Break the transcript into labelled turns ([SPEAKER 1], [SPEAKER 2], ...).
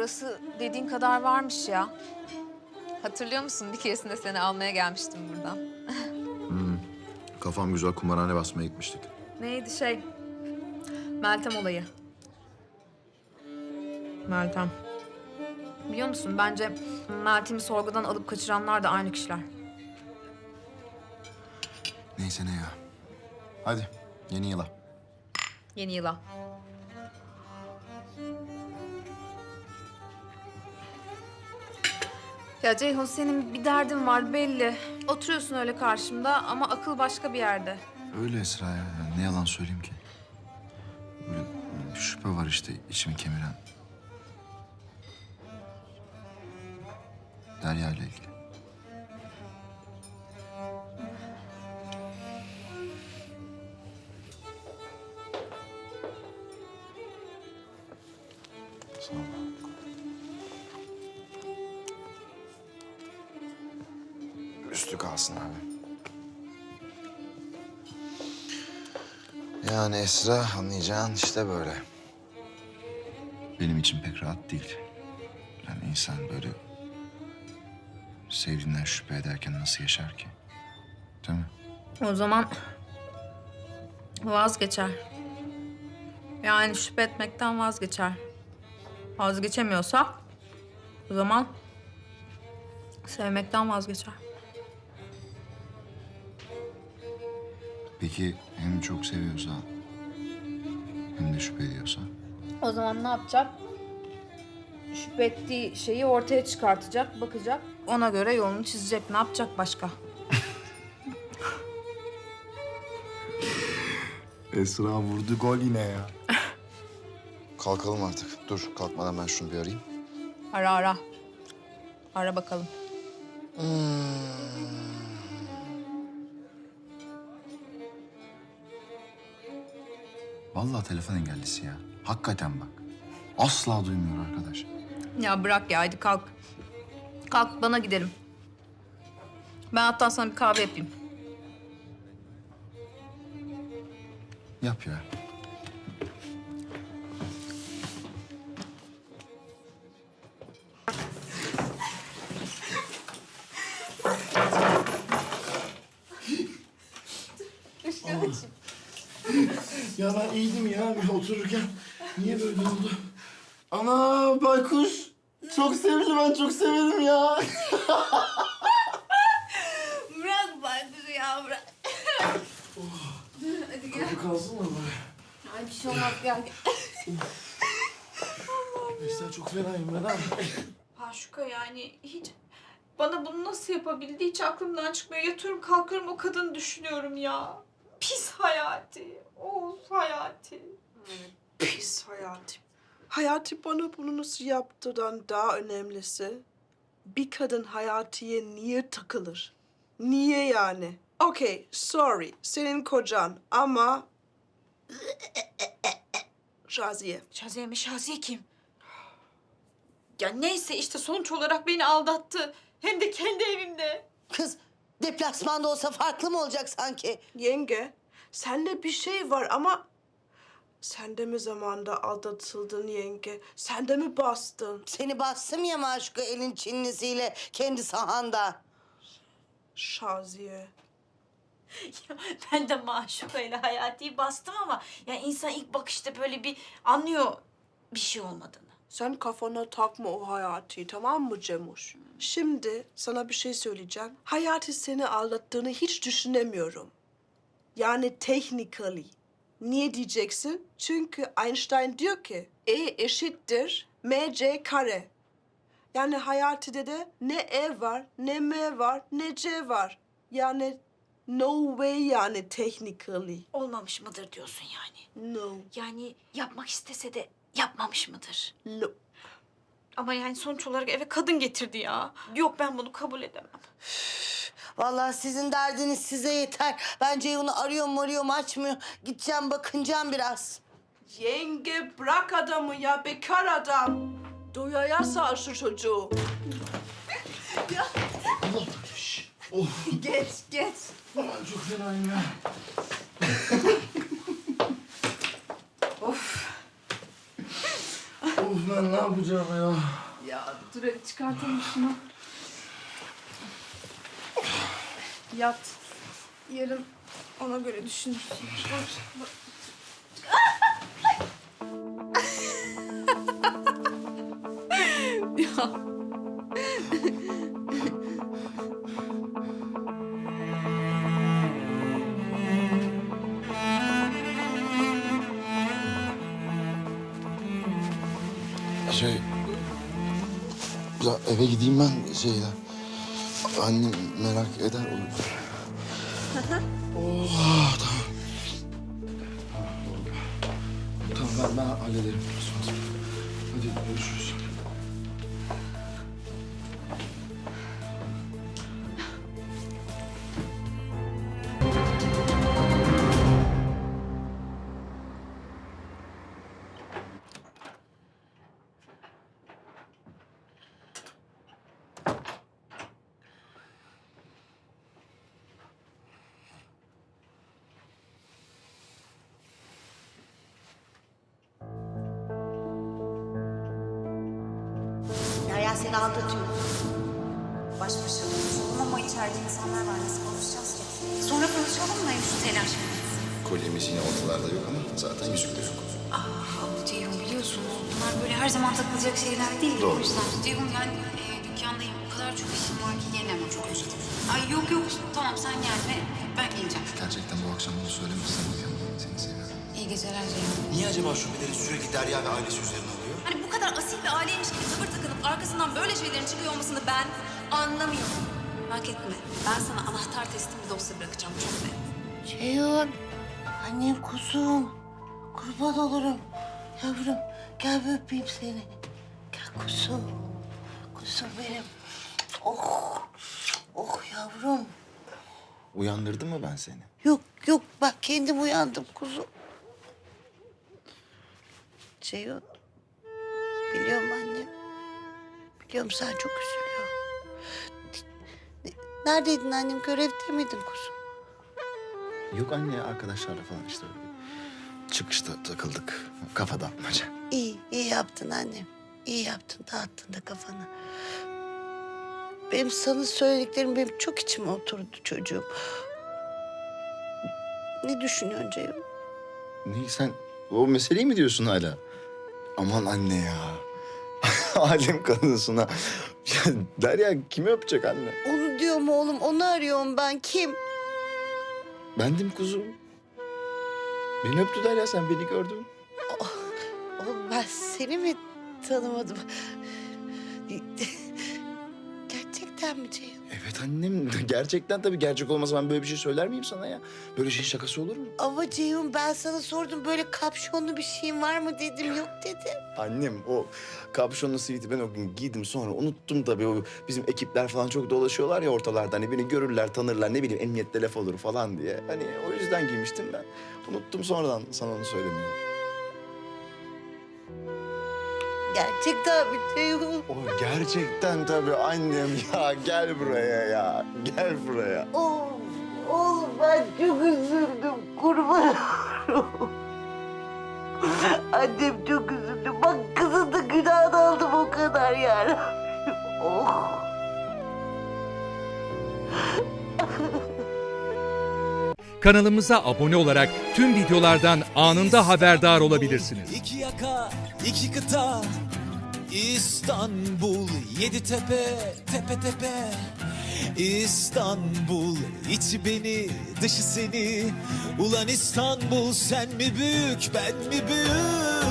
[SPEAKER 1] burası dediğin kadar varmış ya. Hatırlıyor musun? Bir keresinde seni almaya gelmiştim buradan.
[SPEAKER 2] Kafam güzel kumarhane basmaya gitmiştik.
[SPEAKER 1] Neydi Meltem olayı. Meltem. Biliyor musun? Bence Meltem'i sorgudan alıp kaçıranlar da aynı kişiler.
[SPEAKER 2] Neyse ne ya. Hadi yeni yıla.
[SPEAKER 1] Yeni yıla. Ya Ceyhun, senin bir derdin var belli. Oturuyorsun öyle karşımda ama akıl başka bir yerde.
[SPEAKER 2] Öyle Esra ya. Yani ne yalan söyleyeyim ki. Böyle bir şüphe var işte içimi kemiren. Derya ile ilgili. Sağ ol. Üstü kalsın abi. Yani Esra anlayacağın işte böyle. Benim için pek rahat değil. Yani insan böyle sevdiğinden şüphe ederken nasıl yaşar ki? Değil mi?
[SPEAKER 1] O zaman vazgeçer. Yani şüphe etmekten vazgeçer. Vazgeçemiyorsa o zaman sevmekten vazgeçer.
[SPEAKER 2] Peki hem çok seviyorsa hem de şüphe ediyorsa?
[SPEAKER 1] O zaman ne yapacak? Şüphe ettiği şeyi ortaya çıkartacak, bakacak. Ona göre yolunu çizecek. Ne yapacak başka?
[SPEAKER 2] Esra vurdu gol yine ya. Kalkalım artık. Dur kalkmadan ben şunu bir arayayım.
[SPEAKER 1] Ara ara. Ara bakalım.
[SPEAKER 2] Vallahi telefon engellisi ya. Hakikaten bak. Asla duymuyor arkadaş.
[SPEAKER 1] Ya bırak ya, hadi kalk. Kalk, bana gidelim. Ben hatta sana bir kahve yapayım.
[SPEAKER 2] Yap ya.
[SPEAKER 3] Ya ben iyiydim ya bir otururken. Niye böyle oldu? Ana baykuş. Çok sevimli, ben çok severim ya.
[SPEAKER 1] Bırak baykuş ya, bırak. Hadi gel.
[SPEAKER 3] Bu kalsın mı böyle?
[SPEAKER 1] Ay bir şey olmaz, gel.
[SPEAKER 3] Mesela çok fenayım ben abi.
[SPEAKER 4] Paşuka, yani hiç bana bunu nasıl yapabildi hiç aklımdan çıkmıyor. Yatıyorum kalkıyorum o kadını düşünüyorum ya. Pis Hayati. Of Hayati.
[SPEAKER 5] Pis Hayati. Hayati bana bunu nasıl yaptıdan daha önemlisi, bir kadın Hayati'ye niye takılır? Niye yani? Okay, sorry, senin kocan ama... Şaziye.
[SPEAKER 4] Şaziye mi? Şaziye kim? Ya neyse işte sonuç olarak beni aldattı. Hem de kendi evimde.
[SPEAKER 6] Kız deplasmanda olsa farklı mı olacak sanki?
[SPEAKER 5] Yenge, sende bir şey var ama... Sen de mi zamanda aldatıldın yenge? Sen de mi bastın?
[SPEAKER 6] Seni bastım ya maşuka elin Çinlisiyle kendi sahanda.
[SPEAKER 5] Şaziye.
[SPEAKER 4] Ya ben de Maşuka'yla Hayati'yi bastım ama ya insan ilk bakışta böyle bir anlıyor bir şey olmadığını.
[SPEAKER 5] Sen kafana takma o Hayati, tamam mı Cemuş? Şimdi sana bir şey söyleyeceğim. Hayati seni aldattığını hiç düşünemiyorum. Yani technically. Niye diyeceksin? Çünkü Einstein diyor ki E eşittir mc kare. Yani Hayati'de de ne E var, ne M var, ne C var. Yani no way yani technically.
[SPEAKER 4] Olmamış mıdır diyorsun yani?
[SPEAKER 5] No.
[SPEAKER 4] Yani yapmak istese de yapmamış mıdır?
[SPEAKER 5] No.
[SPEAKER 4] Ama yani sonuç olarak eve kadın getirdi ya. Yok, ben bunu kabul edemem.
[SPEAKER 6] Vallahi sizin derdiniz size yeter. Ben Ceyhun'u arıyorum açmıyor. Gideceğim bakınacağım biraz.
[SPEAKER 5] Yenge bırak adamı ya, bekar adam. Doyaya sar şu çocuğu.
[SPEAKER 1] Geç.
[SPEAKER 3] Ben çok fenayım ya.
[SPEAKER 1] Of.
[SPEAKER 3] Of. ben ne yapacağım ya?
[SPEAKER 1] Ya dur hadi çıkartalım şunu. Yat. Yarın ona göre düşünürsün. Ya.
[SPEAKER 2] Ya eve gideyim ben şeyle. Annem merak eder olur. Oh, tamam. Tamam ben hallederim. Hadi görüşürüz.
[SPEAKER 6] Derya seni aldatıyor.
[SPEAKER 7] Baş başa konuşalım ama içeride insanlar var. Nasıl konuşacağız ki? Sonra konuşalım da şu telaş.
[SPEAKER 2] Kolyemiz yine ortalarda yok ama zaten yüzükte yok.
[SPEAKER 7] Abi Ceyhun biliyorsunuz bunlar böyle her zaman takılacak şeyler değil.
[SPEAKER 2] Doğru.
[SPEAKER 7] O yüzden Ceyhun yani dükkandayım. O kadar çok işim var ki gelemem. Çok özledim. Ay yok yok tamam sen gelme ben geleceğim.
[SPEAKER 2] Gerçekten bu akşam bunu söylemezsen uyuyamam. Seni seviyorum.
[SPEAKER 7] İyi geceler Ceyhun.
[SPEAKER 8] Niye acaba şüpheleri sürekli Derya ve ailesi üzerine oluyor?
[SPEAKER 7] Hani bu kadar asil bir aileymiş gibi tavır takınıp arkasından böyle şeylerin çıkıyor olmasını ben anlamıyorum. Merak etme ben sana anahtar teslim bir dosya bırakacağım çok net.
[SPEAKER 6] Ceyhun. Annem kuzum. Kurban olurum. Yavrum gel bir öpeyim seni. Gel kuzum. Kuzum benim. Oh. Oh yavrum.
[SPEAKER 2] Uyandırdım mı ben seni?
[SPEAKER 6] Yok yok bak kendim uyandım kuzum. Ceyhun. Biliyorum annem. Biliyorum sen çok üzülüyorsun. Neredeydin annem? Görevde miydin kuzum?
[SPEAKER 2] Yok anne arkadaşlarla falan işte öyle. Çıkışta takıldık. Kafa dağıtmaca.
[SPEAKER 6] İyi, iyi yaptın annem. İyi yaptın, dağıttın da kafanı. Benim sana söylediklerim benim çok içime oturdu çocuğum. Ne düşünüyorsun Ceyhun?
[SPEAKER 2] Ne sen o meseleyi mi diyorsun hala? Aman anne ya. Alem kadınsın ha. Ya Derya kimi öpecek anne?
[SPEAKER 6] Onu diyorum oğlum, onu arıyorum ben. Kim?
[SPEAKER 2] Bendim kuzum. Beni öptü Derya sen beni gördün.
[SPEAKER 6] Oğlum ben seni mi tanımadım? Gerçekten mi Ceyhun?
[SPEAKER 2] Evet annem gerçekten tabii gerçek olmasa ben böyle bir şey söyler miyim sana ya? Böyle şeyin şakası olur mu?
[SPEAKER 6] Ama Ceyhun ben sana sordum böyle kapşonlu bir şeyin var mı dedim. Yok dedi.
[SPEAKER 2] Annem o kapşonlu siviti ben o gün giydim sonra unuttum tabii. O bizim ekipler falan çok dolaşıyorlar ya ortalarda. Hani beni görürler tanırlar ne bileyim emniyette laf olur falan diye. Hani o yüzden giymiştim ben. Unuttum sonradan sana onu söylemeyi.
[SPEAKER 6] Gerçekten mi Ceyhun?
[SPEAKER 2] O gerçekten tabii annem ya gel buraya ya gel buraya.
[SPEAKER 6] Oğlum ben çok üzüldüm kurban olurum. Annem çok üzüldü. Bak kızın da günahını aldım o kadar yani. Oh.
[SPEAKER 9] Kanalımıza abone olarak tüm videolardan anında haberdar olabilirsiniz.
[SPEAKER 10] İki yaka, iki kıta, İstanbul, yedi tepe, tepe tepe. İstanbul, içi beni, dışı seni. Ulan İstanbul, sen mi büyük, ben mi büyük?